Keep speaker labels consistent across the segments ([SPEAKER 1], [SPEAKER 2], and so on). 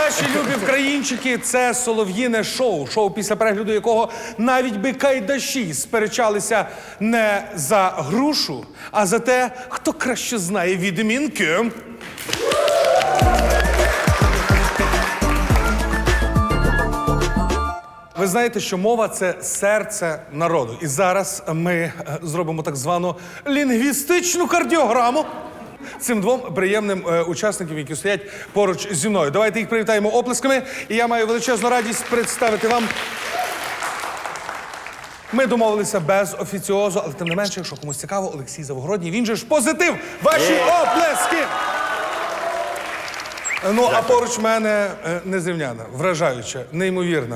[SPEAKER 1] Наші любі вкраїнчики, це солов'їне шоу. Шоу, після перегляду якого навіть би кайдаші сперечалися не за грушу, а за те, хто краще знає відмінки. Ви знаєте, що мова – це серце народу. І зараз ми зробимо так звану лінгвістичну кардіограму цим двом приємним учасникам, які стоять поруч зі мною. Давайте їх привітаємо оплесками. І я маю величезну радість представити вам. Ми домовилися без офіціозу, але тим не менше, якщо комусь цікаво, Олексій Завгородній, він же ж позитив. Ваші оплески! Ну, а поруч в мене незрівняна, вражаюча, неймовірна.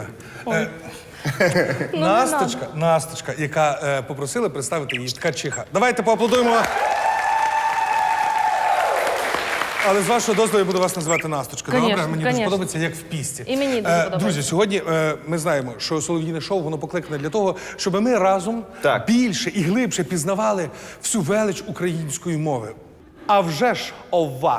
[SPEAKER 1] Насточка, яка попросила представити її ткачиха. Давайте поаплодуємо. Але з вашого дозволу я буду вас називати Насточка. Добре? Мені дуже подобається, як в пісті.
[SPEAKER 2] І мені дуже подобається.
[SPEAKER 1] Друзі, сьогодні ми знаємо, що солов'їне шоу, воно покликане для того, щоб ми разом більше і глибше пізнавали всю велич української мови. А вже ж ова.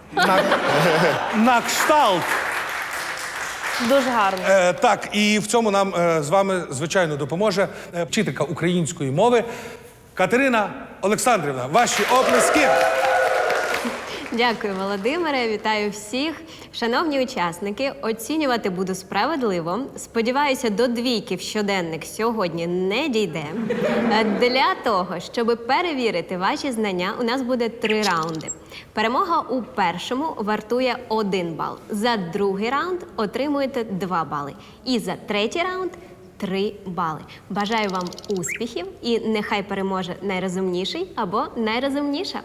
[SPEAKER 1] На кшталт.
[SPEAKER 2] Дуже гарно.
[SPEAKER 1] Так, і в цьому нам з вами, звичайно, допоможе вчителька української мови Катерина Олександрівна. Ваші оплески.
[SPEAKER 3] Дякую, Володимире. Вітаю всіх. Шановні учасники, оцінювати буду справедливо. Сподіваюся, до двійки в щоденник сьогодні не дійде. Для того, щоб перевірити ваші знання, у нас буде 3 раунди. Перемога у першому вартує 1 бал. За другий раунд отримуєте 2 бали. І за третій раунд 3 бали. Бажаю вам успіхів і нехай переможе найрозумніший або найрозумніша.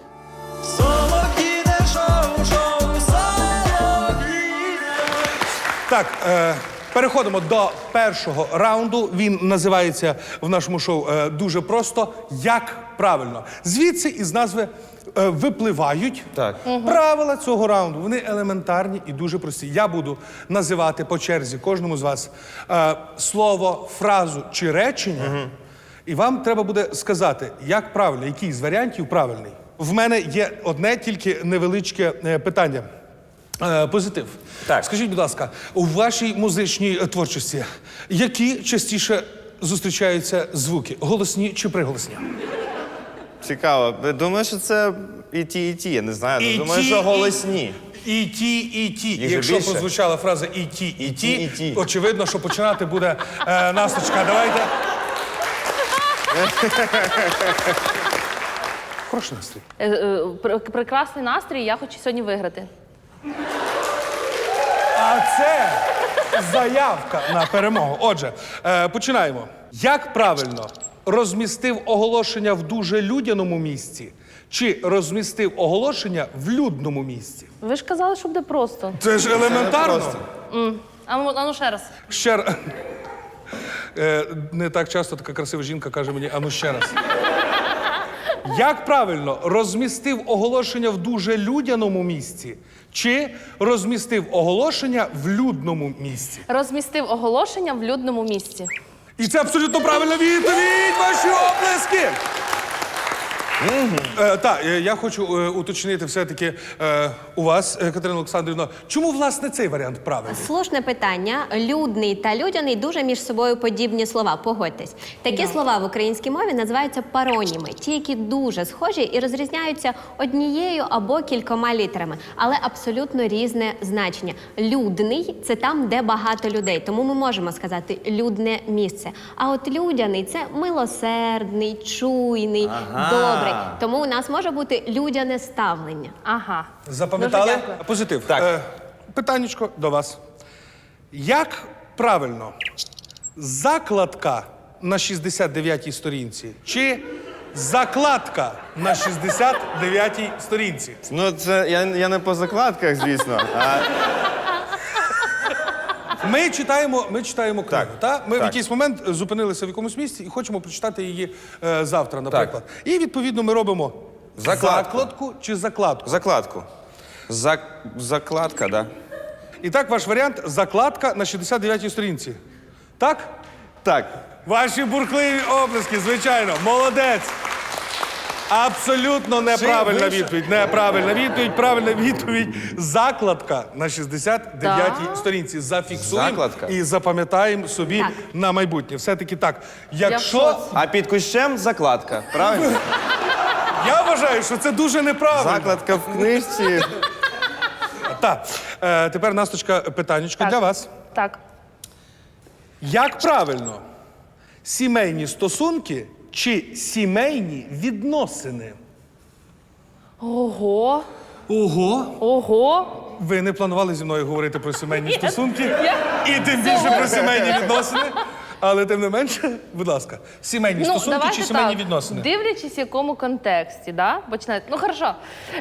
[SPEAKER 1] Так, переходимо до першого раунду. Він називається в нашому шоу дуже просто «Як правильно?». Звідси із назви випливають правила цього раунду. Вони елементарні і дуже прості. Я буду називати по черзі кожному з вас слово, фразу чи речення, і вам треба буде сказати, як правильно, який з варіантів правильний. В мене є одне тільки невеличке питання. Позитив.
[SPEAKER 4] Так.
[SPEAKER 1] Скажіть, будь ласка, у вашій музичній творчості які частіше зустрічаються звуки? Голосні чи приголосні?
[SPEAKER 4] Цікаво. Думаю, що це і ті. Я не знаю. Думаю, що голосні.
[SPEAKER 1] І ті. Якщо
[SPEAKER 4] більше?
[SPEAKER 1] прозвучала фраза і ті, очевидно, що починати буде Насточка. Давайте. Хороший настрій.
[SPEAKER 2] Прекрасний настрій, я хочу сьогодні виграти.
[SPEAKER 1] А це заявка на перемогу. Отже, починаємо. Як правильно розмістив оголошення в дуже людяному місці чи розмістив оголошення в людному місці?
[SPEAKER 2] Ви ж казали, що буде просто.
[SPEAKER 1] Це ж елементарно.
[SPEAKER 2] А ну ще раз.
[SPEAKER 1] Ще раз. Не так часто така красива жінка каже мені, а ну ще раз. Як правильно розмістив оголошення в дуже людяному місці чи розмістив оголошення в людному місці?
[SPEAKER 2] Розмістив оголошення в людному місці.
[SPEAKER 1] І це абсолютно правильна відповідь! Ваші оплески! Так, я хочу уточнити все-таки у вас, Катерина Олександрівна, чому, власне, цей варіант правильний?
[SPEAKER 3] Слушне питання. Людний та людяний дуже між собою подібні слова, погодьтесь. Такі слова в українській мові називаються пароніми. Ті, які дуже схожі і розрізняються однією або кількома літерами, але абсолютно різне значення. Людний – це там, де багато людей, тому ми можемо сказати «людне місце». А от людяний – це милосердний, чуйний, добрий. Тому у нас може бути людяне ставлення.
[SPEAKER 2] Ага.
[SPEAKER 1] Запам'ятали?
[SPEAKER 2] Дуже дякую.
[SPEAKER 1] Позитив.
[SPEAKER 4] Так.
[SPEAKER 1] Питаннячко до вас. Як правильно, закладка на 69-й сторінці чи закладка на 69-й сторінці?
[SPEAKER 4] Ну, це я не по закладках, звісно.
[SPEAKER 1] Ми читаємо книгу, та? Ми в
[SPEAKER 4] так.
[SPEAKER 1] якийсь момент зупинилися в якомусь місці і хочемо прочитати її завтра, наприклад. І, відповідно, ми робимо закладку чи закладку.
[SPEAKER 4] Закладку. Закладка, да.
[SPEAKER 1] І так, ваш варіант – закладка на 69-й сторінці. Так?
[SPEAKER 4] Так.
[SPEAKER 1] Ваші бурхливі оплески, звичайно. Молодець. Абсолютно неправильна
[SPEAKER 4] вище?
[SPEAKER 1] відповідь. Неправильна відповідь. Правильна відповідь. Закладка на 69-й сторінці. Зафіксуємо
[SPEAKER 4] Закладка?
[SPEAKER 1] і запам'ятаємо собі
[SPEAKER 3] Так.
[SPEAKER 1] на майбутнє. Все-таки так.
[SPEAKER 2] в
[SPEAKER 1] Якщо
[SPEAKER 2] шоці.
[SPEAKER 4] А під кущем закладка, правильно?
[SPEAKER 1] я вважаю, що це дуже неправильно.
[SPEAKER 4] Закладка в книжці.
[SPEAKER 1] Так. Тепер, Насточка, питаннячко
[SPEAKER 2] Так.
[SPEAKER 1] для вас.
[SPEAKER 2] Так.
[SPEAKER 1] Як правильно? Сімейні стосунки чи сімейні відносини?
[SPEAKER 2] Ого.
[SPEAKER 1] Ого!
[SPEAKER 2] Ого.
[SPEAKER 1] Ви не планували зі мною говорити про сімейні стосунки і тим більше про сімейні відносини. Але тим не менше, будь ласка, сімейні стосунки
[SPEAKER 2] давайте
[SPEAKER 1] чи сімейні
[SPEAKER 2] так.
[SPEAKER 1] відносини?
[SPEAKER 2] Дивлячись, в якому контексті, да? Починайте. Ну, хорошо.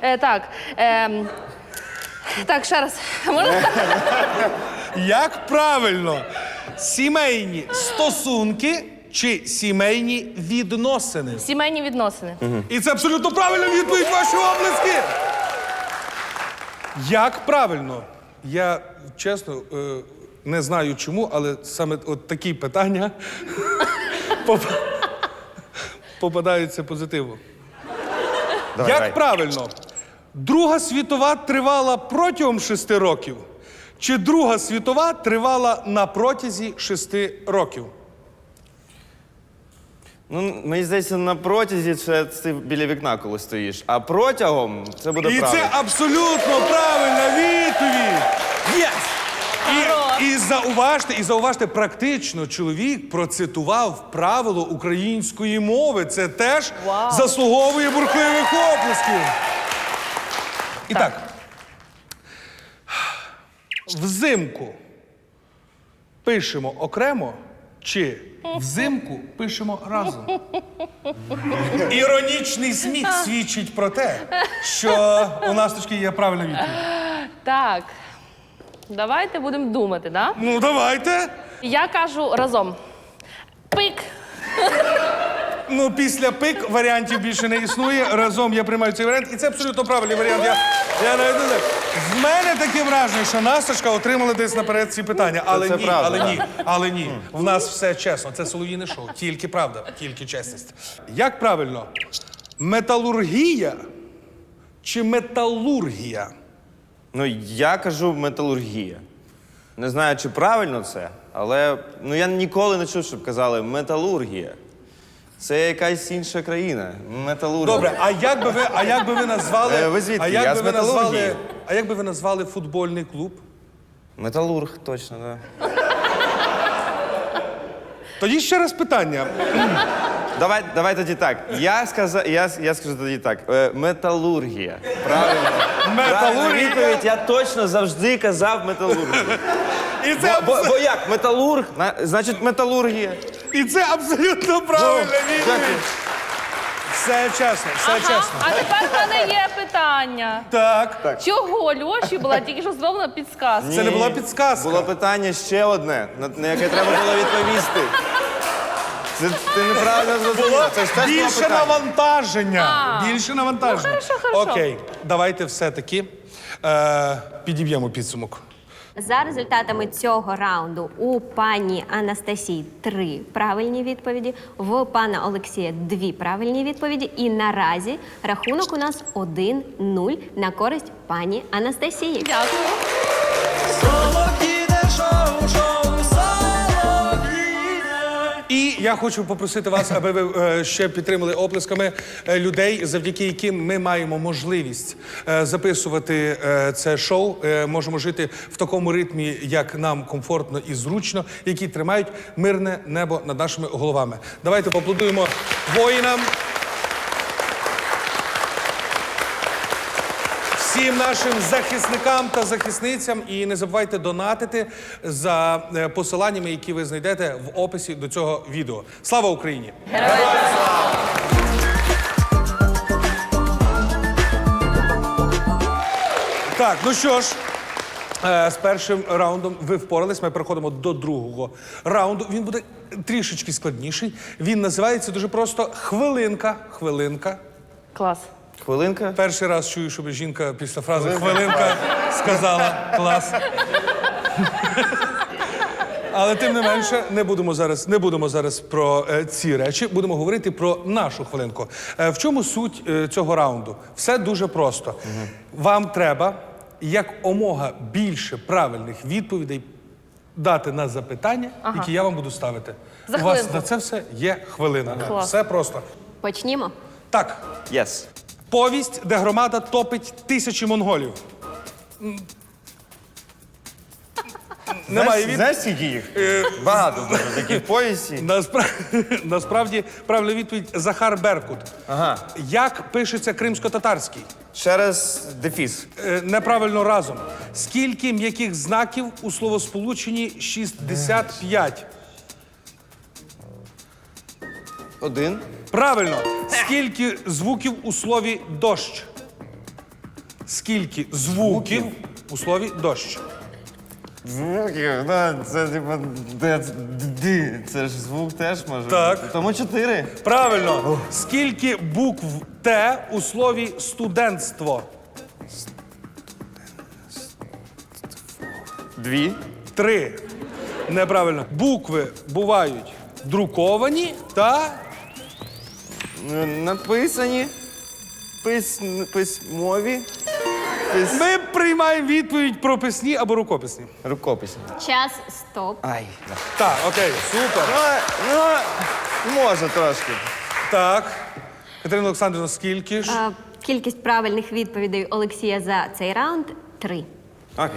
[SPEAKER 2] Так, ще раз. Можна?
[SPEAKER 1] Як правильно? Сімейні стосунки чи сімейні відносини?
[SPEAKER 2] Сімейні відносини.
[SPEAKER 1] І це абсолютно правильна відповідь, ваші оплески! Як правильно? Я, чесно, не знаю чому, але саме от такі питання попадаються позитивно.
[SPEAKER 4] Давай,
[SPEAKER 1] Як
[SPEAKER 4] давай.
[SPEAKER 1] правильно? Друга світова тривала протягом 6 років? Чи Друга світова тривала на протязі 6 років?
[SPEAKER 4] Ну, мені здається, на протязі це ти біля вікна, коли стоїш. А протягом це буде
[SPEAKER 1] І
[SPEAKER 4] правильно.
[SPEAKER 1] це абсолютно правильна відповідь! Єс! І зауважте, практично чоловік процитував правило української мови. Це теж заслуговує бурхливих оплесків. І так. Взимку пишемо окремо чи взимку пишемо разом? Іронічний сміх свідчить про те, що у Насточки є правильна відповідь.
[SPEAKER 2] Так. Давайте будемо думати, да?
[SPEAKER 1] Ну, давайте.
[SPEAKER 2] Я кажу разом. Пик.
[SPEAKER 1] Ну, після пик варіантів більше не існує. Разом я приймаю цей варіант. І це абсолютно правильний варіант. Я навіть не знаю. В мене таке враження, що Насточка отримала десь наперед ці питання. Але
[SPEAKER 4] це
[SPEAKER 1] ні,
[SPEAKER 4] правда,
[SPEAKER 1] але
[SPEAKER 4] так.
[SPEAKER 1] ні, але ні. В нас все чесно. Це солов'їне шоу. Тільки правда, тільки чесність. Як правильно? Металургія чи металургія?
[SPEAKER 4] Ну, я кажу металургія. Не знаю, чи правильно це, але я ніколи не чув, щоб казали металургія. Це якась інша країна. Металургія.
[SPEAKER 1] Добре, а як би ви назвали?
[SPEAKER 4] Ви звідки?
[SPEAKER 1] А як
[SPEAKER 4] Я
[SPEAKER 1] би
[SPEAKER 4] з
[SPEAKER 1] ви назвали?
[SPEAKER 4] металургії.
[SPEAKER 1] А як би ви назвали футбольний клуб?
[SPEAKER 4] Металург, точно, так.
[SPEAKER 1] Тоді ще раз питання.
[SPEAKER 4] Давай тоді так. Я скажу тоді так. Металургія. Правильно. Правильна відповідь, я точно завжди казав металургія.
[SPEAKER 1] І це,
[SPEAKER 4] Бо як? Металург, значить металургія.
[SPEAKER 1] і це абсолютно правильна відповідь.
[SPEAKER 4] Дякую.
[SPEAKER 1] Все чесно, все чесно.
[SPEAKER 2] А тепер в мене є питання.
[SPEAKER 1] Так.
[SPEAKER 2] Чого Льоші була тільки що зроблена підсказка?
[SPEAKER 1] Це не була підсказка.
[SPEAKER 4] Було питання ще одне, на яке треба було відповісти. Це ти неправильно зрозумів. Це ж теж було
[SPEAKER 1] Більше
[SPEAKER 4] питання.
[SPEAKER 1] навантаження. Більше навантаження.
[SPEAKER 2] Ну, хорошо.
[SPEAKER 1] Окей, давайте все-таки підіб'ємо підсумок.
[SPEAKER 3] За результатами цього раунду у пані Анастасії 3 правильні відповіді, в пана Олексія 2 правильні відповіді. І наразі рахунок у нас 1-0 на користь пані Анастасії.
[SPEAKER 2] Дякую.
[SPEAKER 1] І я хочу попросити вас, аби ви ще підтримали оплесками людей, завдяки яким ми маємо можливість записувати це шоу. Можемо жити в такому ритмі, як нам комфортно і зручно, які тримають мирне небо над нашими головами. Давайте поаплодуємо воїнам. Всім нашим захисникам та захисницям. І не забувайте донатити за посиланнями, які ви знайдете в описі до цього відео. Слава Україні! Так, ну що ж, з першим раундом ви впорались. Ми переходимо до другого раунду. Він буде трішечки складніший. Він називається дуже просто «Хвилинка». Хвилинка.
[SPEAKER 2] Клас.
[SPEAKER 4] Хвилинка.
[SPEAKER 1] Перший раз чую, щоб жінка після фрази «хвилинка» сказала «клас». Але тим не менше, не будемо зараз про ці речі, будемо говорити про нашу хвилинку. В чому суть цього раунду? Все дуже просто. Вам треба якомога більше правильних відповідей дати на запитання, які я вам буду ставити.
[SPEAKER 2] За
[SPEAKER 1] У вас
[SPEAKER 2] хвилинку.
[SPEAKER 1] на це все є хвилина.
[SPEAKER 2] Клас.
[SPEAKER 1] Все просто.
[SPEAKER 3] Почнімо.
[SPEAKER 1] Так,
[SPEAKER 4] Yes.
[SPEAKER 1] повість, де громада топить тисячі монголів. Немає від...
[SPEAKER 4] Знаєш, скільки їх? Багато дуже таких повісті.
[SPEAKER 1] Насправді, правильна відповідь Захар Беркут.
[SPEAKER 4] Ага.
[SPEAKER 1] Як пишеться кримсько-татарський?
[SPEAKER 4] Через дефіс.
[SPEAKER 1] Неправильно разом. Скільки м'яких знаків у словосполученні 65?
[SPEAKER 4] 1.
[SPEAKER 1] Правильно. Скільки звуків у слові дощ? Скільки звуків у слові дощ?
[SPEAKER 4] Звуків, це типу це ж звук теж може.
[SPEAKER 1] Так.
[SPEAKER 4] бути. Тому 4.
[SPEAKER 1] Правильно. Скільки букв Т у слові студентство?
[SPEAKER 4] 2.
[SPEAKER 1] 3. Неправильно. Букви бувають друковані та
[SPEAKER 4] Написані. Письмові.
[SPEAKER 1] ми приймаємо відповідь про писні або рукописні.
[SPEAKER 4] Рукописні.
[SPEAKER 3] Час стоп.
[SPEAKER 4] Ай.
[SPEAKER 1] Так, окей, супер.
[SPEAKER 4] Може трошки.
[SPEAKER 1] Так. Катерина Олександрівна, скільки ж?
[SPEAKER 3] Кількість правильних відповідей Олексія за цей раунд 3.
[SPEAKER 4] Окей.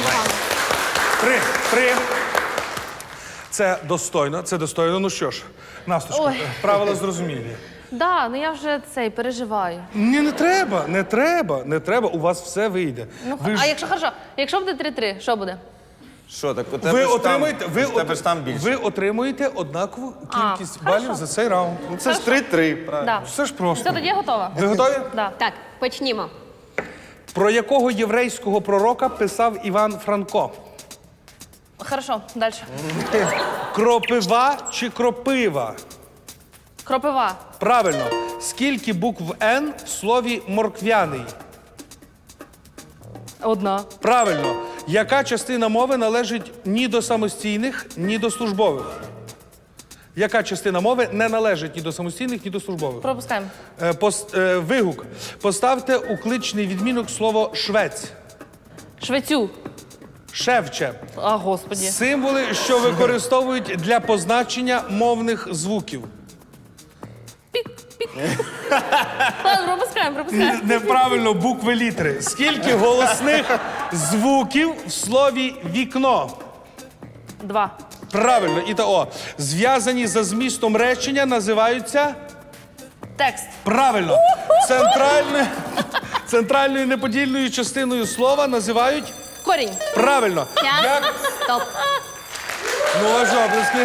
[SPEAKER 1] 3. Це достойно, це достойно. Ну що ж, Насточко,
[SPEAKER 2] Ой.
[SPEAKER 1] правила зрозумілі.
[SPEAKER 2] Да, ну я вже переживаю.
[SPEAKER 1] Ні, не треба, у вас все вийде.
[SPEAKER 2] Ну,
[SPEAKER 1] Ви ж-
[SPEAKER 2] а якщо хорошо, якщо буде 3-3, що буде?
[SPEAKER 4] Що так? У тебе
[SPEAKER 1] ви
[SPEAKER 4] ж там-
[SPEAKER 1] отримуєте,
[SPEAKER 4] у тебе ж там більше.
[SPEAKER 1] ви отримуєте однакову кількість
[SPEAKER 2] А,
[SPEAKER 1] балів
[SPEAKER 2] хорошо.
[SPEAKER 1] за цей раунд.
[SPEAKER 4] Ну це ж 3-3, правильно.
[SPEAKER 2] Да.
[SPEAKER 1] Все ж просто.
[SPEAKER 2] Все, тоді я готова.
[SPEAKER 1] Ви готові?
[SPEAKER 2] Да.
[SPEAKER 3] Так, почнімо.
[SPEAKER 1] Про якого єврейського пророка писав Іван Франко?
[SPEAKER 2] Хорошо, далі.
[SPEAKER 1] Кропива чи кропива?
[SPEAKER 2] Кропива.
[SPEAKER 1] Правильно. Скільки букв Н в слові морквяний?
[SPEAKER 2] 1.
[SPEAKER 1] Правильно. Яка частина мови належить ні до самостійних, ні до службових? Яка частина мови не належить ні до самостійних, ні до службових?
[SPEAKER 2] Пропускаємо.
[SPEAKER 1] Вигук. Поставте у кличний відмінок слово швець.
[SPEAKER 2] Швецю.
[SPEAKER 1] Шевче.
[SPEAKER 2] А, господі.
[SPEAKER 1] Символи, що використовують для позначення мовних звуків.
[SPEAKER 2] Ладно, пропускаємо.
[SPEAKER 1] Неправильно, букви літери. Скільки голосних звуків в слові вікно?
[SPEAKER 2] 2.
[SPEAKER 1] Правильно, і то О. Зв'язані за змістом речення називаються?
[SPEAKER 2] Текст.
[SPEAKER 1] Правильно. Центральною неподільною частиною слова називають?
[SPEAKER 2] Корінь.
[SPEAKER 1] Правильно.
[SPEAKER 3] Час стоп.
[SPEAKER 1] Ну, аж оплески.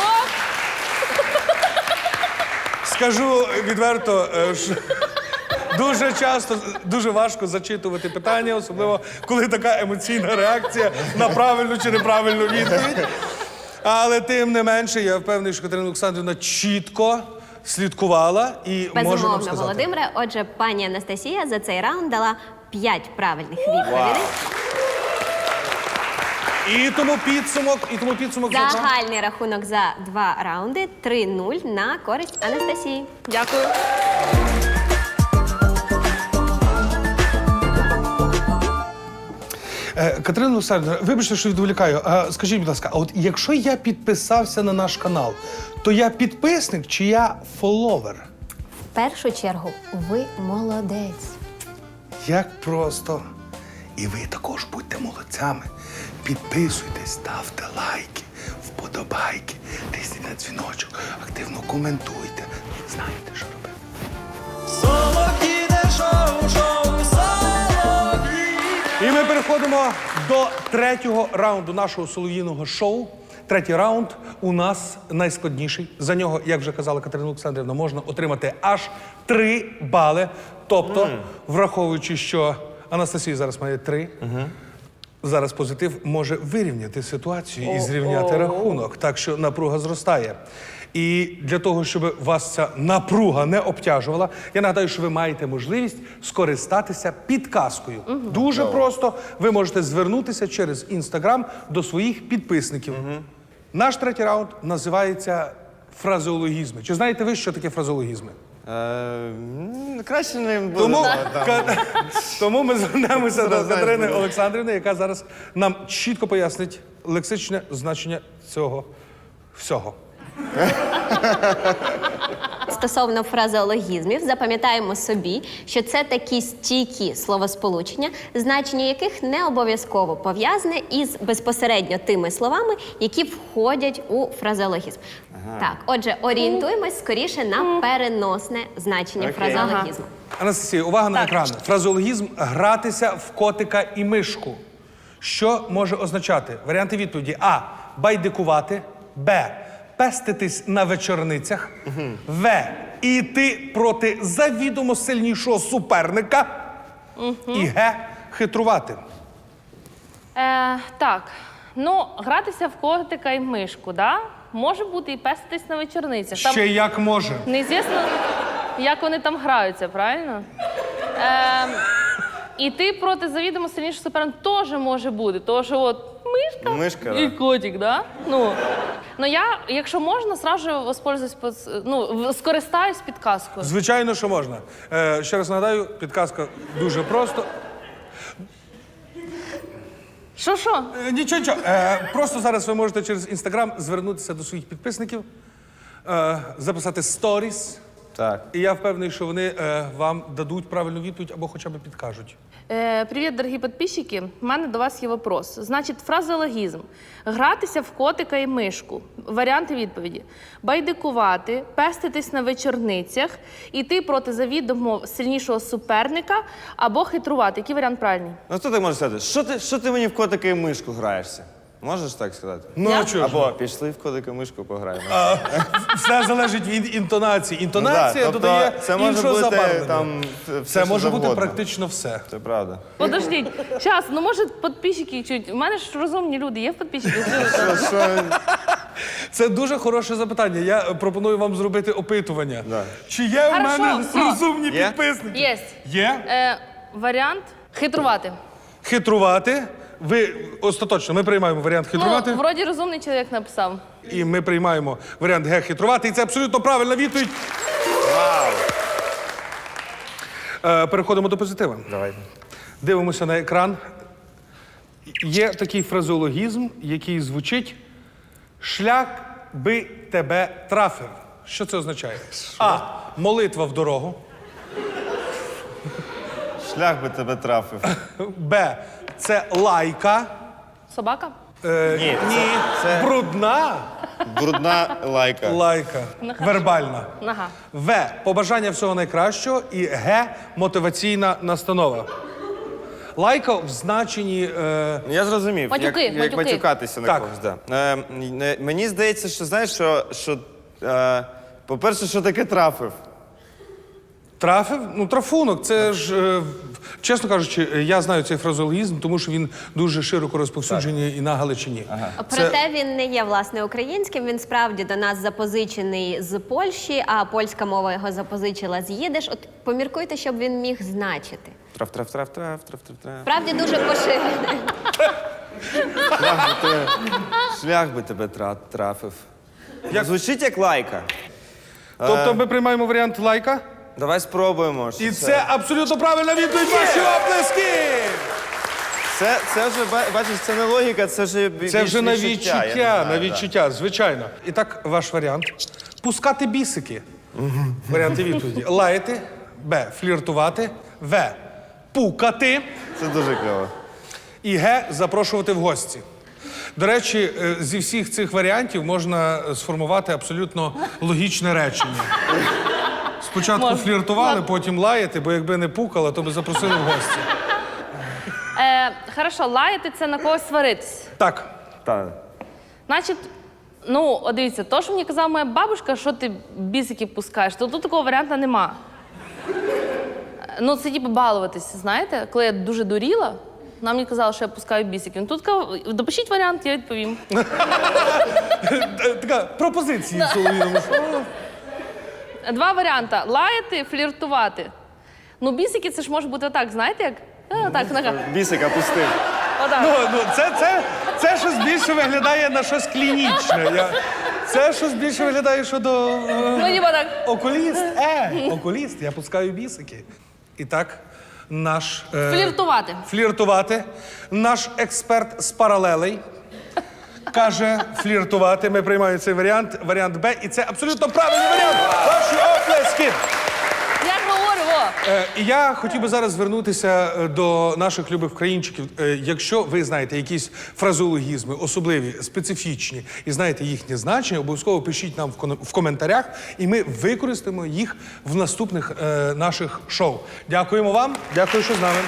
[SPEAKER 1] Скажу відверто, що дуже часто, дуже важко зачитувати питання, особливо коли така емоційна реакція на правильну чи неправильну відповідь. Але тим не менше, я впевнений, що Катерина Олександрівна чітко слідкувала і може нам
[SPEAKER 3] Безумовно,
[SPEAKER 1] сказати.
[SPEAKER 3] Володимире. Отже, пані Анастасія за цей раунд дала 5 правильних відповідей.
[SPEAKER 1] І тому підсумок за
[SPEAKER 3] Загальний рахунок за 2 раунди 3-0 на користь Анастасії.
[SPEAKER 2] Дякую.
[SPEAKER 1] Катерина Олександрівна, вибачте, що відволікаю. Скажіть, будь ласка, а от якщо я підписався на наш канал, то я підписник чи я фоловер?
[SPEAKER 3] В першу чергу, ви молодець.
[SPEAKER 1] Як просто. І ви також будьте молодцями. Підписуйтесь, ставте лайки, вподобайки, тисніть на дзвіночок, активно коментуйте. Знаєте, що робити. І ми переходимо до третього раунду нашого солов'їного шоу. Третій раунд у нас найскладніший. За нього, як вже казала Катерина Олександрівна, можна отримати аж 3 бали. Тобто, враховуючи, що Анастасія зараз має 3, зараз позитив може вирівняти ситуацію і зрівняти рахунок. Так що напруга зростає. І для того, щоб вас ця напруга не обтяжувала, я нагадаю, що ви маєте можливість скористатися підказкою. Дуже просто. Ви можете звернутися через Інстаграм до своїх підписників. Наш третій раунд називається фразеологізми. Чи знаєте ви, що таке фразеологізми?
[SPEAKER 4] Краще не буде.
[SPEAKER 1] Тому ми звернемося до Катерини Олександрівни, яка зараз нам чітко пояснить лексичне значення цього всього.
[SPEAKER 3] Стосовно фразеологізмів, запам'ятаємо собі, що це такі стійкі словосполучення, значення яких не обов'язково пов'язане із безпосередньо тими словами, які входять у фразеологізм. Так, отже, орієнтуємось скоріше на переносне значення фразеологізму.
[SPEAKER 1] Анастасія, увага на екран. Фразеологізм «гратися в котика і мишку». Що може означати? Варіанти відповіді. А. Байдикувати. Б. Пеститись на вечорницях. В. Іти проти завідомо сильнішого суперника. І Г. Хитрувати.
[SPEAKER 2] Так, ну, гратися в котика і мишку, да? Може бути і пеститись на вечорницях.
[SPEAKER 1] Ще як може.
[SPEAKER 2] Неізвісно, як вони там граються, правильно? Іти проти завідомо сильнішого суперника теж може бути, тому що от мишка і котик, да? Ну я, якщо можна, сразу воспользуюсь, скористаюсь підказкою.
[SPEAKER 1] Звичайно, що можна. Ще раз нагадаю, підказка дуже просто.
[SPEAKER 2] Що?
[SPEAKER 1] Нічого. Просто зараз ви можете через Інстаграм звернутися до своїх підписників, записати сторіс.
[SPEAKER 4] Так.
[SPEAKER 1] І я впевнений, що вони вам дадуть правильну відповідь або хоча б підкажуть.
[SPEAKER 2] Привіт, дорогі підписчики. У мене до вас є вопрос. Значить, фразеологізм. Гратися в котика і мишку. Варіанти відповіді. Байдикувати, пеститись на вечорницях, іти проти завідомо сильнішого суперника або хитрувати. Який варіант правильний?
[SPEAKER 4] Ну хто так може сказати? Що ти мені в котика і мишку граєшся? Можеш так сказати?
[SPEAKER 1] Ну, а чого ж?
[SPEAKER 4] Або пішли в котика і мишку пограємо.
[SPEAKER 1] Все залежить від інтонації. Інтонація
[SPEAKER 4] тобто
[SPEAKER 1] додає
[SPEAKER 4] це може
[SPEAKER 1] іншого
[SPEAKER 4] бути
[SPEAKER 1] забарвлення.
[SPEAKER 4] там все,
[SPEAKER 1] Це
[SPEAKER 4] що
[SPEAKER 1] може бути
[SPEAKER 4] завгодно.
[SPEAKER 1] практично все.
[SPEAKER 4] Це правда.
[SPEAKER 2] Подождіть, зараз, може підписчики чуть. У мене ж розумні люди, є в підписчиках?
[SPEAKER 1] Це дуже хороше запитання. Я пропоную вам зробити опитування.
[SPEAKER 4] Да.
[SPEAKER 1] Чи є в
[SPEAKER 2] Хорошо,
[SPEAKER 1] мене
[SPEAKER 2] все.
[SPEAKER 1] розумні
[SPEAKER 4] Є?
[SPEAKER 1] підписники?
[SPEAKER 2] Є.
[SPEAKER 1] Є?
[SPEAKER 2] Варіант хитрувати.
[SPEAKER 1] Хитрувати. Ви остаточно, ми приймаємо варіант хитрувати.
[SPEAKER 2] Ну, вроді розумний чоловік написав.
[SPEAKER 1] І ми приймаємо варіант Г хитрувати. І це абсолютно правильна відповідь.
[SPEAKER 4] Вау!
[SPEAKER 1] Переходимо до позитива.
[SPEAKER 4] Давайте.
[SPEAKER 1] Дивимося на екран. Є такий фразеологізм, який звучить «шлях би тебе трафив». Що це означає? А. Молитва в дорогу.
[SPEAKER 4] Шлях би тебе трафив.
[SPEAKER 1] Б. Це лайка.
[SPEAKER 2] Собака?
[SPEAKER 4] Ні, це
[SPEAKER 1] Брудна
[SPEAKER 4] брудна лайка.
[SPEAKER 1] лайка. Вербальна.
[SPEAKER 2] Нога.
[SPEAKER 1] В. Побажання всього найкращого. І Г. Мотиваційна настанова. Лайка в значенні...
[SPEAKER 4] Я зрозумів,
[SPEAKER 2] Матюки,
[SPEAKER 4] як
[SPEAKER 2] матюки.
[SPEAKER 4] матюкатися на
[SPEAKER 1] Так.
[SPEAKER 4] когось. Да. Мені здається, що знаєш, що по-перше, що таке трафив?
[SPEAKER 1] Трафив? Ну, трафунок. Це ж, чесно кажучи, я знаю цей фразеологізм, тому що він дуже широко розповсюджений і на Галичині.
[SPEAKER 3] Проте він не є, власне, українським, він справді до нас запозичений з Польщі, а польська мова його запозичила з їдиш. От поміркуйте, щоб він міг значити.
[SPEAKER 4] Трав.
[SPEAKER 3] Справді дуже поширений.
[SPEAKER 4] Шлях би тебе трафив. Звучить як лайка.
[SPEAKER 1] Тобто ми приймаємо варіант лайка?
[SPEAKER 4] Давай спробуємо. що
[SPEAKER 1] І це абсолютно правильна відповідь. Ваші оплески!
[SPEAKER 4] Це вже, бачиш, це не логіка, це вже
[SPEAKER 1] Це вже на
[SPEAKER 4] я не
[SPEAKER 1] відчуття,
[SPEAKER 4] знаю,
[SPEAKER 1] на відчуття, звичайно. І так, ваш варіант. Пускати бісики. Варіанти відповіді. Лаяти. Б. Фліртувати. В. Пукати.
[SPEAKER 4] Це дуже кльово.
[SPEAKER 1] І Г. Запрошувати в гості. До речі, зі всіх цих варіантів можна сформувати абсолютно логічне речення. Спочатку
[SPEAKER 2] Можна.
[SPEAKER 1] фліртували, потім лаяти, бо якби не пукала, то би запросили в гості.
[SPEAKER 2] Хорошо, лаяти це на когось сваритись.
[SPEAKER 1] Так.
[SPEAKER 4] Так.
[SPEAKER 2] Значить, от дивіться, то, що мені казала моя бабушка, що ти бісики пускаєш, то тут такого варіанту нема. Ну, це типу балуватися, знаєте? Коли я дуже дуріла, вона мені казала, що я пускаю бісики. Ну, тут допишіть варіант, я відповім.
[SPEAKER 1] Така пропозиція Солов'їному.
[SPEAKER 2] Два варіанти: лаяти, фліртувати. Ну, бісики це ж може бути отак, знаєте як? Так, нога.
[SPEAKER 4] Бісика пустив.
[SPEAKER 1] Це щось більше виглядає на щось клінічне. Це щось більше виглядає, що до...
[SPEAKER 2] Ну, ніби так.
[SPEAKER 1] Окуліст. Окуліст, я пускаю бісики. І так, наш...
[SPEAKER 2] Фліртувати.
[SPEAKER 1] Фліртувати. Наш експерт з паралелей каже фліртувати. Ми приймаємо цей варіант, варіант Б. І це абсолютно правильний варіант. Ваші оплески.
[SPEAKER 2] Я ж говорю, во.
[SPEAKER 1] І я хотів би зараз звернутися до наших любих українчиків. Якщо ви знаєте якісь фразеологізми, особливі, специфічні, і знаєте їхнє значення, обов'язково пишіть нам в коментарях, і ми використаємо їх в наступних наших шоу. Дякуємо вам, дякую, що з нами.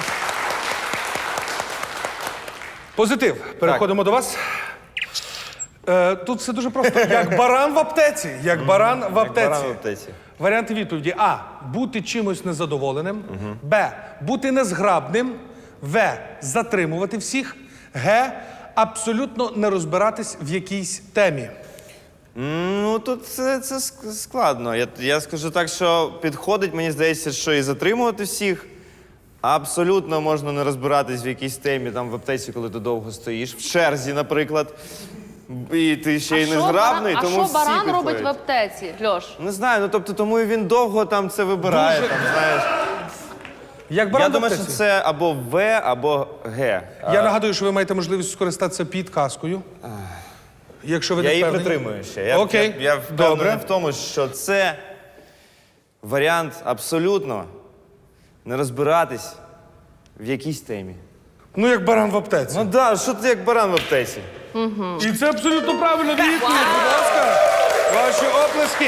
[SPEAKER 1] Позитив. Переходимо до вас. Тут все дуже просто. Як баран в аптеці. Як баран в аптеці.
[SPEAKER 4] баран в аптеці.
[SPEAKER 1] Варіанти відповіді. А. Бути чимось незадоволеним. Б. Бути незграбним. В. Затримувати всіх. Г. Абсолютно не розбиратись в якійсь темі.
[SPEAKER 4] Ну, тут це складно. Я скажу так, що підходить, мені здається, що і затримувати всіх. Абсолютно можна не розбиратись в якійсь темі, там в аптеці, коли ти довго стоїш. В черзі, наприклад. І ти ще й незграбний, тому
[SPEAKER 2] А
[SPEAKER 4] всі
[SPEAKER 2] що баран
[SPEAKER 4] підходять.
[SPEAKER 2] робить в аптеці, Льош?
[SPEAKER 4] Не знаю, ну тобто тому і він довго там це вибирає.
[SPEAKER 1] Дуже-
[SPEAKER 4] Там, знаєш.
[SPEAKER 1] Як баран
[SPEAKER 4] Я
[SPEAKER 1] в
[SPEAKER 4] думаю,
[SPEAKER 1] аптеці.
[SPEAKER 4] що це або В, або Г.
[SPEAKER 1] Я нагадую, що ви маєте можливість скористатися підказкою. Якщо ви
[SPEAKER 4] Я
[SPEAKER 1] не
[SPEAKER 4] її
[SPEAKER 1] впевнені.
[SPEAKER 4] притримую ще. Я,
[SPEAKER 1] Окей,
[SPEAKER 4] я впевнений
[SPEAKER 1] добре.
[SPEAKER 4] в тому, що це варіант абсолютно не розбиратись в якійсь темі.
[SPEAKER 1] Ну, як баран в аптеці.
[SPEAKER 4] Ну да, що ти як баран в аптеці?
[SPEAKER 1] І це абсолютно правильно відповідь, будь ласка. Ваші оплески.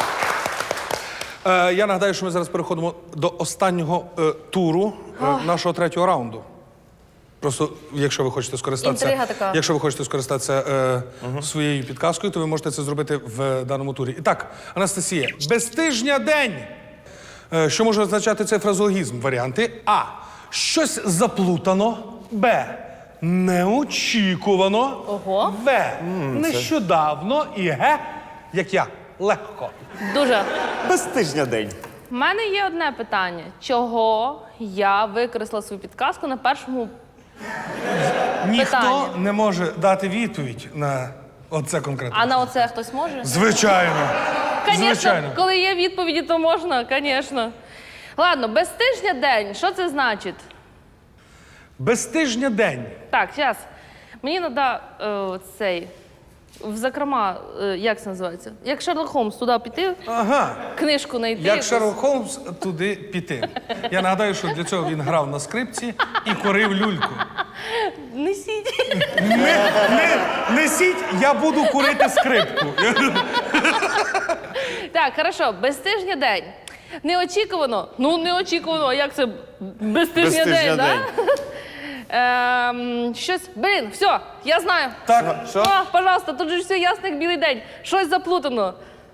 [SPEAKER 1] Я нагадаю, що ми зараз переходимо до останнього туру нашого третього раунду. Просто, якщо ви хочете скористатися,
[SPEAKER 2] Інтрига така.
[SPEAKER 1] якщо ви хочете скористатися своєю підказкою, то ви можете це зробити в даному турі. І так, Анастасія, безтижня день. Що може означати цей фразеологізм? Варіанти А. Щось заплутано. Б. Неочікувано.
[SPEAKER 2] Ого.
[SPEAKER 1] В. Нещодавно. І Г. Як я. Легко.
[SPEAKER 2] Дуже.
[SPEAKER 4] Без тижня день.
[SPEAKER 2] У мене є одне питання. Чого я використала свою підказку на першому...
[SPEAKER 1] Ніхто
[SPEAKER 2] Питання.
[SPEAKER 1] не може дати відповідь на оце конкретно.
[SPEAKER 2] А на оце хтось може?
[SPEAKER 1] Звичайно.
[SPEAKER 2] Звісно,
[SPEAKER 1] Звичайно.
[SPEAKER 2] коли є відповіді, то можна, звісно. Ладно, безтижня день. Що це значить?
[SPEAKER 1] Безтижня день.
[SPEAKER 2] Так, зараз. Мені треба цей. В закрома, як це називається? Як Шерлок Холмс туди піти,
[SPEAKER 1] Ага.
[SPEAKER 2] книжку знайти.
[SPEAKER 1] Як
[SPEAKER 2] якусь.
[SPEAKER 1] Шерлок Холмс туди піти. Я нагадаю, що для цього він грав на скрипці і корив люльку.
[SPEAKER 2] Несіть.
[SPEAKER 1] Несіть, я буду курити скрипку.
[SPEAKER 2] Так, хорошо, безтижня день. Неочікувано. Ну, неочікувано. А як це безтижня
[SPEAKER 4] Безтижня
[SPEAKER 2] день, так? Щось, блін, все, я знаю.
[SPEAKER 1] Так.
[SPEAKER 4] Що?
[SPEAKER 2] О, пожалуйста, тут же ж все ясно, як білий день. Щось заплутано.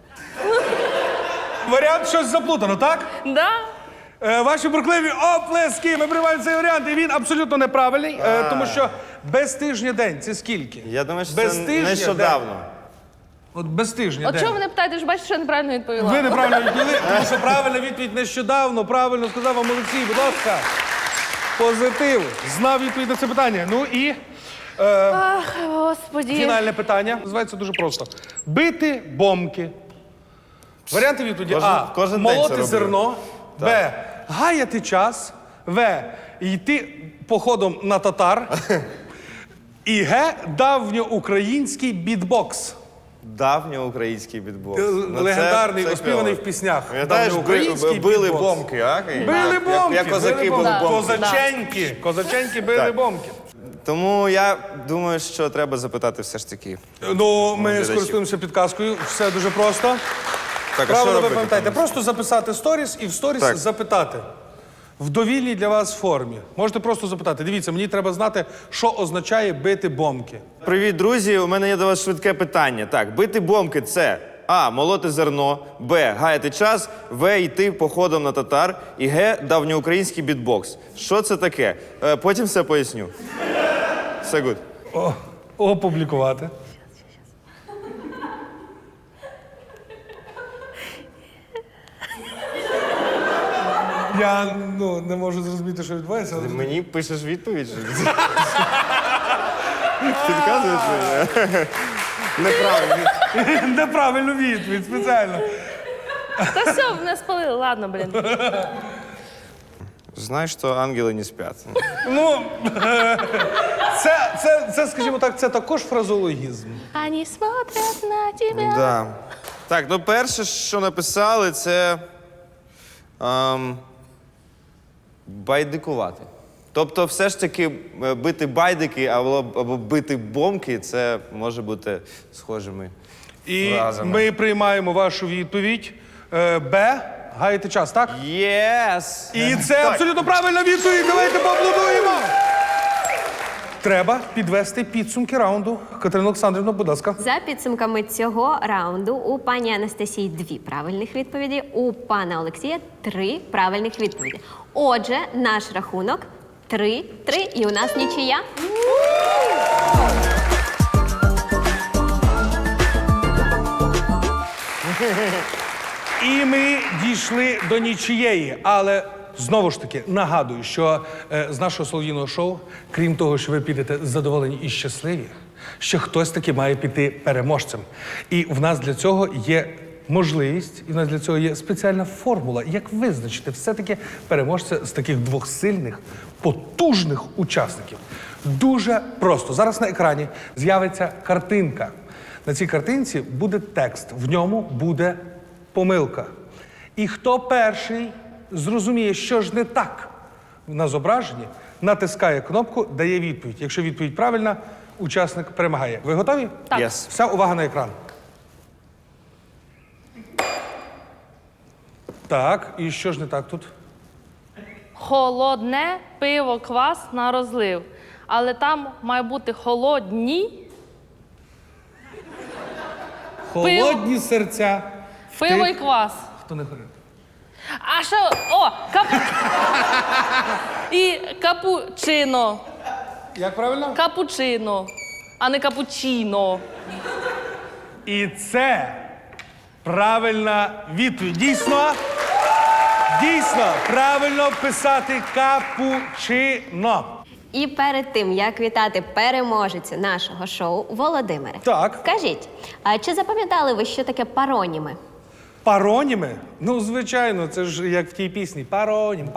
[SPEAKER 1] Варіант щось заплутано, так?
[SPEAKER 2] Да?
[SPEAKER 1] Ваші бурхливі оплески. Ми приймаємо цей варіант, і він абсолютно неправильний, тому що безтижня день це скільки?
[SPEAKER 4] Я думаю, що це
[SPEAKER 1] Безтижня
[SPEAKER 4] нещодавно.
[SPEAKER 1] день. От безтижня
[SPEAKER 2] От
[SPEAKER 1] день.
[SPEAKER 2] чого ви не питаєте, ж бачите, що я неправильно відповіла?
[SPEAKER 1] Ви неправильно відповіли, тому що правильна відповідь нещодавно, правильно сказав вам Олексій, будь ласка. Позитив. Знав відповідь на це питання. Ну і
[SPEAKER 2] Ах, господі.
[SPEAKER 1] фінальне питання. Називається дуже просто. Бити бомки. Варіанти відповіді. А.
[SPEAKER 4] Кожен день це
[SPEAKER 1] Молоти
[SPEAKER 4] роблю.
[SPEAKER 1] зерно. Б. Гаяти час. В. Йти походом на татар. І Г. Давньоукраїнський бітбокс.
[SPEAKER 4] Давньоукраїнський бітбокс.
[SPEAKER 1] Легендарний,
[SPEAKER 4] це
[SPEAKER 1] оспіваний
[SPEAKER 4] кльово.
[SPEAKER 1] в піснях.
[SPEAKER 4] Пам'ятаєш,
[SPEAKER 1] Давньоукраїнський
[SPEAKER 4] били
[SPEAKER 1] бітбокс.
[SPEAKER 4] бомки, а?
[SPEAKER 1] Били бомки.
[SPEAKER 4] Як козаки
[SPEAKER 1] били
[SPEAKER 4] били бомки.
[SPEAKER 1] Козаченьки. Козаченьки били
[SPEAKER 4] Так.
[SPEAKER 1] бомки.
[SPEAKER 4] Тому я думаю, що треба запитати все ж таки.
[SPEAKER 1] Ну, ми
[SPEAKER 4] глядачів.
[SPEAKER 1] скористуємося підказкою. Все дуже просто.
[SPEAKER 4] Так, а що
[SPEAKER 1] Правильно ви
[SPEAKER 4] робити?
[SPEAKER 1] пам'ятаєте. Просто записати сторіс і в сторіс
[SPEAKER 4] Так.
[SPEAKER 1] запитати. В довільній для вас формі. Можете просто запитати. Дивіться, мені треба знати, що означає бити бомки.
[SPEAKER 4] Привіт, друзі. У мене є до вас швидке питання. Так, бити бомки це А. Молоти зерно, Б. Гаяти час, В. Йти походом на татар і Г. Давньоукраїнський бітбокс. Що це таке? Потім все поясню. Все гуд.
[SPEAKER 1] Опублікувати. Я не можу зрозуміти, що відбувається. Але...
[SPEAKER 4] Мені пишеш відповідь? Що? Підказуєш мені? Неправильно.
[SPEAKER 1] Неправильну відповідь, спеціально.
[SPEAKER 2] Та все, не спалили, ладно, блін.
[SPEAKER 4] Знаєш, що ангели не сплять.
[SPEAKER 1] Ну, це, скажімо так, це також фразеологізм.
[SPEAKER 2] Ані смотрять на тебе.
[SPEAKER 4] Да. Так, ну перше, що написали, це байдикувати. Тобто, все ж таки, бити байдики або бити бомки, це може бути схожими
[SPEAKER 1] І
[SPEAKER 4] фразами.
[SPEAKER 1] ми приймаємо вашу відповідь. Б. Гаєте час, так?
[SPEAKER 4] Єс!
[SPEAKER 1] І це абсолютно правильна відповідь. Давайте поаплодуємо. Треба підвести підсумки раунду. Катерина Олександрівна, будь ласка.
[SPEAKER 3] За підсумками цього раунду у пані Анастасії 2 правильних відповіді, у пана Олексія 3 правильних відповіді. Отже, наш рахунок 3-3, і у нас нічия.
[SPEAKER 1] І ми дійшли до нічиєї, але знову ж таки нагадую, що з нашого солов'їного шоу, крім того, що ви підете задоволені і щасливі, ще хтось таки має піти переможцем. І в нас для цього є можливість, і в нас для цього є спеціальна формула, як визначити все-таки переможця з таких двох сильних, потужних учасників. Дуже просто. Зараз на екрані з'явиться картинка. На цій картинці буде текст, в ньому буде помилка. І хто перший зрозуміє, що ж не так на зображенні, натискає кнопку, дає відповідь. Якщо відповідь правильна, учасник перемагає. Ви готові?
[SPEAKER 2] Так.
[SPEAKER 4] Єс.
[SPEAKER 1] Вся увага на екран. Так, і що ж не так тут?
[SPEAKER 2] Холодне пиво, квас на розлив. Але там має бути холодні
[SPEAKER 1] Холодні серця.
[SPEAKER 2] пиво
[SPEAKER 1] Ти-
[SPEAKER 2] і квас.
[SPEAKER 1] Хто не говорив?
[SPEAKER 2] А що? О, і капучино.
[SPEAKER 1] Як правильно?
[SPEAKER 2] Капучино, а не капучино.
[SPEAKER 1] І це правильна відповідь. Дійсно, правильно писати капучино.
[SPEAKER 3] І перед тим, як вітати переможця нашого шоу, Володимире,
[SPEAKER 1] Так.
[SPEAKER 3] скажіть, а чи запам'ятали ви, що таке пароніми?
[SPEAKER 1] Пароніми? Ну, звичайно, це ж як в тій пісні. Паронім.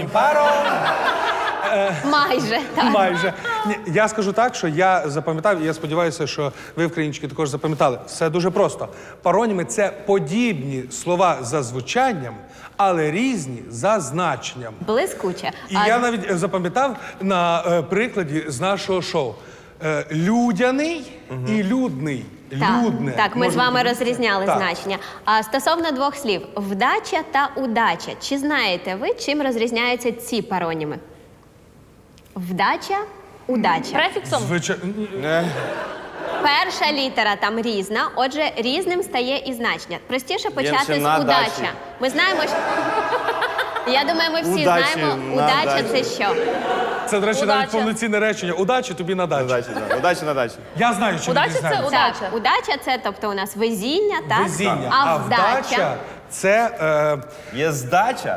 [SPEAKER 3] Майже, так.
[SPEAKER 1] Майже. Ні, я скажу так, що я запам'ятав, і я сподіваюся, що ви, українчики, також запам'ятали. Все дуже просто. Пароніми – це подібні слова за звучанням, але різні за значенням.
[SPEAKER 3] Блискуче.
[SPEAKER 1] І я навіть запам'ятав на прикладі з нашого шоу. Людяний і людний. Людне.
[SPEAKER 3] Так, ми з
[SPEAKER 1] може
[SPEAKER 3] вами
[SPEAKER 1] бути.
[SPEAKER 3] розрізняли
[SPEAKER 1] Так.
[SPEAKER 3] значення. А стосовно двох слів вдача та удача. Чи знаєте ви, чим розрізняються ці пароніми? Вдача, удача.
[SPEAKER 2] Префіксом?
[SPEAKER 1] Звичайно.
[SPEAKER 3] Перша літера там різна, отже, різним стає і значення. Простіше почати
[SPEAKER 4] ще
[SPEAKER 3] з
[SPEAKER 4] на
[SPEAKER 3] удача.
[SPEAKER 4] дачі.
[SPEAKER 3] Ми знаємо, що. Я думаю, ми всі
[SPEAKER 4] Удачі,
[SPEAKER 3] знаємо,
[SPEAKER 4] на
[SPEAKER 3] удача
[SPEAKER 4] дачі.
[SPEAKER 3] це що?
[SPEAKER 1] Це, до речі,
[SPEAKER 2] Удача.
[SPEAKER 1] навіть повноцінне речення. Удачі тобі на дачу.
[SPEAKER 4] Удачі, да. Удачі на дачі.
[SPEAKER 1] Я знаю, що
[SPEAKER 2] Удача
[SPEAKER 1] ми
[SPEAKER 2] це
[SPEAKER 1] дізнаємося.
[SPEAKER 2] удача.
[SPEAKER 3] Так, удача це, тобто у нас везіння, так?
[SPEAKER 1] Везіння.
[SPEAKER 3] А вдача.
[SPEAKER 1] Це
[SPEAKER 4] Є здача.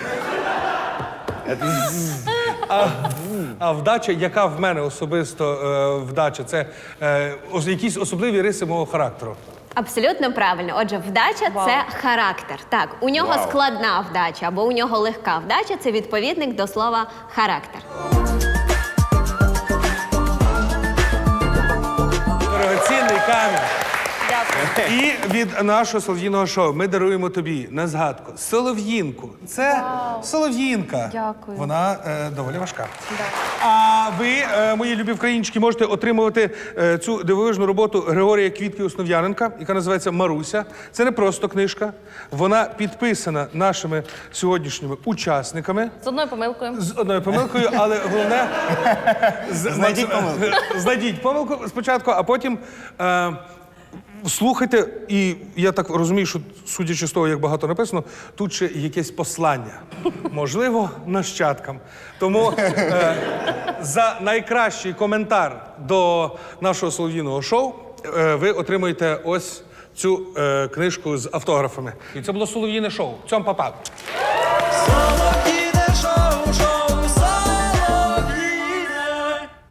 [SPEAKER 1] а вдача, яка в мене особисто вдача, це якісь особливі риси мого характеру.
[SPEAKER 3] Абсолютно правильно. Отже, вдача це характер. Так, у нього
[SPEAKER 4] Вау.
[SPEAKER 3] складна вдача або у нього легка вдача це відповідник до слова характер.
[SPEAKER 1] Дорогоцінний камінь.
[SPEAKER 2] Дякую.
[SPEAKER 1] І від нашого солов'їного шоу ми даруємо тобі на згадку солов'їнку. Це солов'їнка.
[SPEAKER 2] Дякую.
[SPEAKER 1] Вона доволі важка. А ви, мої любі українчики, можете отримувати цю дивовижну роботу Григорія Квітки Основ'яненка, яка називається «Маруся». Це не просто книжка. Вона підписана нашими сьогоднішніми учасниками.
[SPEAKER 2] З одною помилкою.
[SPEAKER 1] З одною помилкою, але головне...
[SPEAKER 4] Знайдіть помилку.
[SPEAKER 1] Знайдіть помилку спочатку, а потім слухайте, і я так розумію, що, судячи з того, як багато написано, тут ще якесь послання. Можливо, нащадкам. Тому за найкращий коментар до нашого солов'їного шоу ви отримуєте ось цю книжку з автографами. І це було солов'їне шоу. Цьом, па-па.